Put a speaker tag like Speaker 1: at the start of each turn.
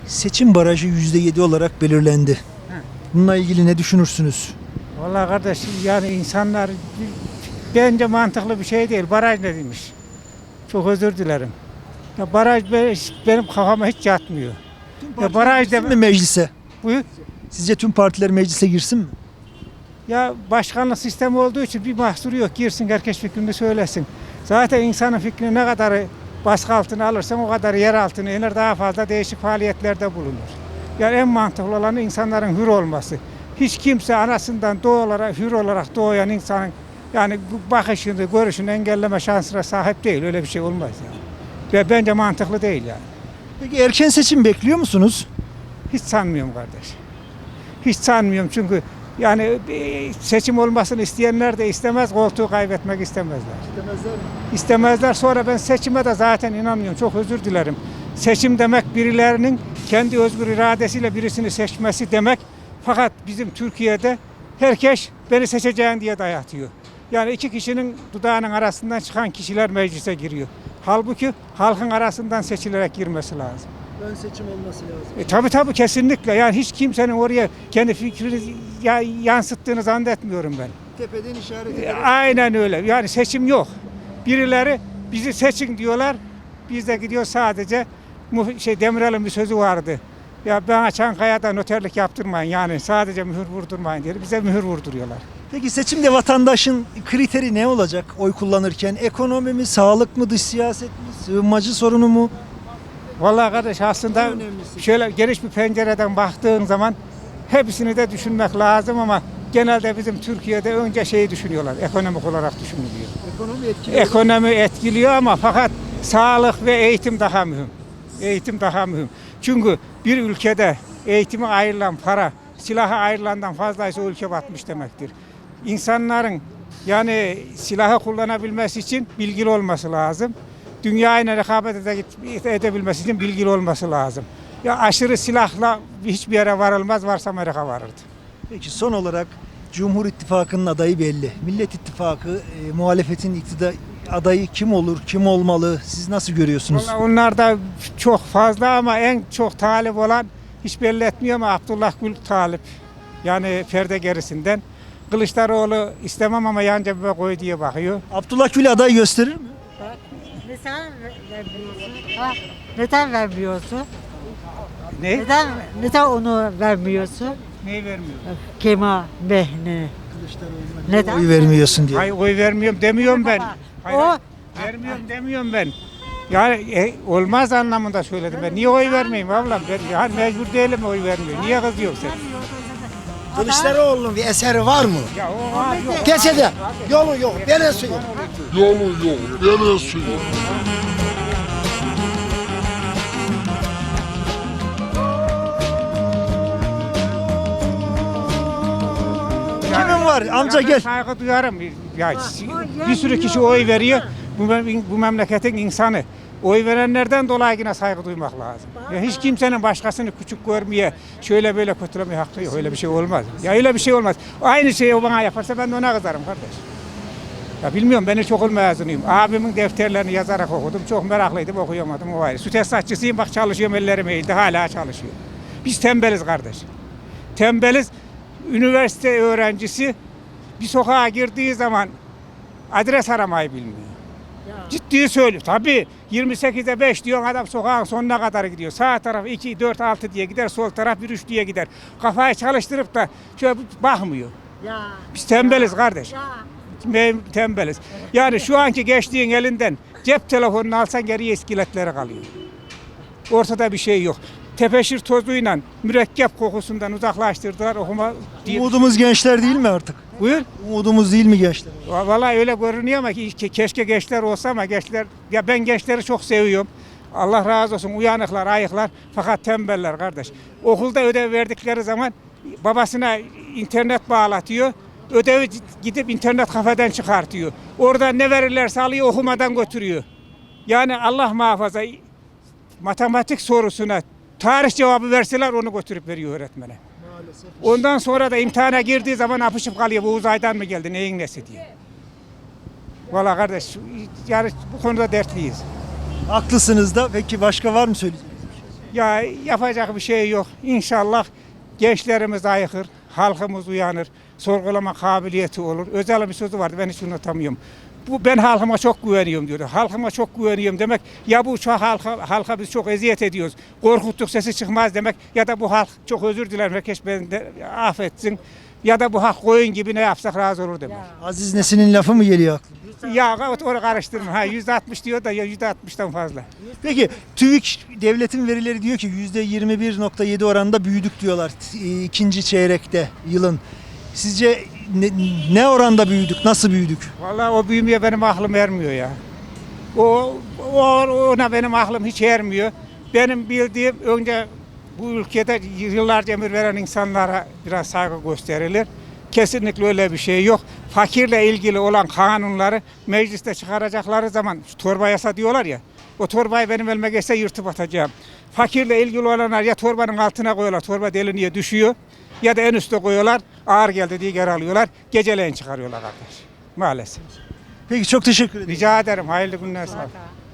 Speaker 1: Seçim barajı %7 olarak belirlendi. Bununla ilgili ne düşünürsünüz?
Speaker 2: Vallahi kardeş yani insanlar bence mantıklı bir şey değil. Baraj ne demiş? Çok özür dilerim. Ya baraj benim kafama hiç yatmıyor. Ya baraj
Speaker 1: Girsin mi meclise?
Speaker 2: buyur.
Speaker 1: Sizce tüm partiler meclise girsin mi?
Speaker 2: Ya başkanlık sistemi olduğu için bir mahsuru yok. Girsin herkes fikrini söylesin. Zaten insanın fikrini ne kadar baskı altına alırsan o kadar yer altına iner, daha fazla değişik faaliyetlerde bulunur. Yani en mantıklı olan insanların hür olması. Hiç kimse anasından hür olarak doğan insanın yani bu bakışını, görüşünü engelleme şansına sahip değil. Öyle bir şey olmaz yani. Ve bence mantıklı değil yani.
Speaker 1: Peki erken seçim bekliyor musunuz?
Speaker 2: Hiç sanmıyorum kardeş. Hiç sanmıyorum çünkü yani seçim olmasını isteyenler de istemez, koltuğu kaybetmek istemezler.
Speaker 1: İstemezler mi?
Speaker 2: İstemezler. Sonra ben seçime de zaten inanmıyorum. Çok özür dilerim. Seçim demek birilerinin kendi özgür iradesiyle birisini seçmesi demek. Fakat bizim Türkiye'de herkes beni seçeceğin diye dayatıyor. Yani iki kişinin dudağının arasından çıkan kişiler meclise giriyor. Halbuki halkın arasından seçilerek girmesi lazım.
Speaker 1: Ön seçim olması lazım.
Speaker 2: Tabii kesinlikle. Yani hiç kimsenin oraya kendi fikrini yansıttığını zannetmiyorum ben.
Speaker 1: Tepeden işaret ederek.
Speaker 2: Aynen öyle. Yani seçim yok. Birileri bizi seçin diyorlar. Biz de gidiyor sadece Demirel'in bir sözü vardı. Ya bana Çankaya'da noterlik yaptırmayın. Yani sadece mühür vurdurmayın diye. Bize mühür vurduruyorlar.
Speaker 1: Peki seçimde vatandaşın kriteri ne olacak oy kullanırken? Ekonomi mi, sağlık mı, dış siyaset mi, sığınmacı sorunu mu?
Speaker 2: Vallahi kardeş aslında
Speaker 1: En önemlisi.
Speaker 2: şöyle geniş bir pencereden baktığın zaman hepsini de düşünmek lazım ama genelde bizim Türkiye'de önce şeyi düşünüyorlar. Ekonomik olarak düşünülüyor.
Speaker 1: Ekonomi etkiliyor.
Speaker 2: Ekonomi etkiliyor ama fakat sağlık ve eğitim daha mühim. Eğitim daha mühim. Çünkü bir ülkede eğitime ayrılan para silaha ayrılandan fazlaysa o ülke batmış demektir. İnsanların yani silahı kullanabilmesi için bilgili olması lazım. Dünyayla rekabet edebilmesi için bilgili olması lazım. Ya aşırı silahla hiçbir yere varılmaz, varsa Amerika varırdı.
Speaker 1: Peki son olarak Cumhur İttifakı'nın adayı belli. Millet İttifakı, muhalefetin iktidar adayı kim olur, kim olmalı? Siz nasıl görüyorsunuz?
Speaker 2: Vallahi onlar da çok fazla ama en çok talip olan hiç belli etmiyor ama Abdullah Gül talip. Yani perde gerisinden. Kılıçdaroğlu istemem ama yan cebime koy diye bakıyor.
Speaker 1: Abdullah Gül aday gösterir mi?
Speaker 3: Neden vermiyorsun? Ha? Neden vermiyorsun?
Speaker 2: Ne?
Speaker 3: Neden onu vermiyorsun?
Speaker 2: Neyi vermiyor?
Speaker 3: Kemal Behne. Neden?
Speaker 1: Oy vermiyorsun diye.
Speaker 2: Hayır oy vermiyorum demiyorum ben. Hayır,
Speaker 3: O
Speaker 2: vermiyorum demiyorum ben. Yani olmaz anlamında söyledim ben. Niye oy vermeyeyim ablam? Ben yani mecbur değilim oy vermiyor. Niye kızıyorsun sen?
Speaker 4: Kılıçdaroğlu'nun bir eseri var mı?
Speaker 2: Ya o var yok.
Speaker 4: Kesede yolu yok, dere suyu.
Speaker 5: Yolu yok, dere suyu.
Speaker 1: Kimin var? Amca gel.
Speaker 2: Saygı duyarım. Ya, bir sürü kişi oy veriyor. Bu memleketin insanı. Oy verenlerden dolayı yine saygı duymak lazım. Ya hiç kimsenin başkasını küçük görmeye, şöyle böyle kötülemeye hakkı yok. Öyle bir şey olmaz. Ya öyle bir şey olmaz. Aynı şeyi o bana yaparsa ben de ona kızarım kardeş. Ya bilmiyorum ben ilkokul mezunuyum. Abimin defterlerini yazarak okudum. Çok meraklıydım okuyamadım o ayrı. Su tesisatçısıyım bak çalışıyorum ellerim eğildi hala çalışıyor. Biz tembeliz kardeş. Tembeliz. Üniversite öğrencisi bir sokağa girdiği zaman adres aramayı bilmiyor. Ciddi söylüyor. Tabii 28'e 5 diyor adam sokağın sonuna kadar gidiyor. Sağ taraf 2, 4, 6 diye gider. Sol taraf 1, 3 diye gider. Kafayı çalıştırıp da şöyle bakmıyor.
Speaker 3: Ya.
Speaker 2: Biz tembeliz kardeş.
Speaker 3: Ya.
Speaker 2: Tembeliz. Yani şu anki gençliğin elinden cep telefonunu alsan geriye iskeletleri kalıyor. Ortada bir şey yok. Tepeşir tozuyla mürekkep kokusundan uzaklaştırdılar okuma diye.
Speaker 1: Umudumuz gençler değil mi artık?
Speaker 2: Buyur.
Speaker 1: Umudumuz değil mi gençler?
Speaker 2: Vallahi öyle görünüyor ama keşke gençler olsa ama gençler ya ben gençleri çok seviyorum. Allah razı olsun uyanıklar, ayıklar fakat tembeller kardeş. Okulda ödev verdikleri zaman babasına internet bağlatıyor. Ödevi gidip internet kafeden çıkartıyor. Orada ne verirlerse alıyor okumadan götürüyor. Yani Allah muhafaza matematik sorusuna tarih cevabı verseler onu götürüp veriyor öğretmene.
Speaker 1: Maalesef.
Speaker 2: Ondan sonra da imtihana girdiği zaman apışıp kalıyor. Bu uzaydan mı geldi, neyin nesi diye. Vallahi kardeş, yani bu konuda dertliyiz.
Speaker 1: Haklısınız da. Peki başka var mı söyleyeceğiniz?
Speaker 2: Ya yapacak bir şey yok. İnşallah gençlerimiz ayıkır, halkımız uyanır, sorgulama kabiliyeti olur. Özel bir sözü vardı, ben hiç unutamıyorum. Ben halkıma çok güveniyorum diyor. Halkıma çok güveniyorum demek ya bu çok halka biz çok eziyet ediyoruz. Korkuttuk sesi çıkmaz demek ya da bu halk çok özür dilerim herkes beni de affetsin. Ya da bu halk koyun gibi ne yapsak razı olur demek.
Speaker 1: Aziz Nesin'in lafı mı geliyor aklına?
Speaker 2: Ya onu karıştırma. Ha %60 diyor da ya %60'dan fazla.
Speaker 1: Peki TÜİK devletin verileri diyor ki %21.7 oranında büyüdük diyorlar ikinci çeyrekte yılın. Sizce ne oranda büyüdük? Nasıl büyüdük?
Speaker 2: Vallahi o büyümeye benim aklım ermiyor ya. Ona benim aklım hiç ermiyor. Benim bildiğim önce bu ülkede yıllarca emir veren insanlara biraz saygı gösterilir. Kesinlikle öyle bir şey yok. Fakirle ilgili olan kanunları mecliste çıkaracakları zaman şu torba yasa diyorlar ya. O torbayı benim elime geçse yırtıp atacağım. Fakirle ilgili olanlar ya torbanın altına koyuyorlar, torba deliğine düşüyor. Ya da en üstte koyuyorlar, ağır geldi diye geri alıyorlar. Geceleyin çıkarıyorlar kardeş. Maalesef.
Speaker 1: Peki çok teşekkür ederim.
Speaker 2: Rica ederim. Hayırlı günler sağ olun.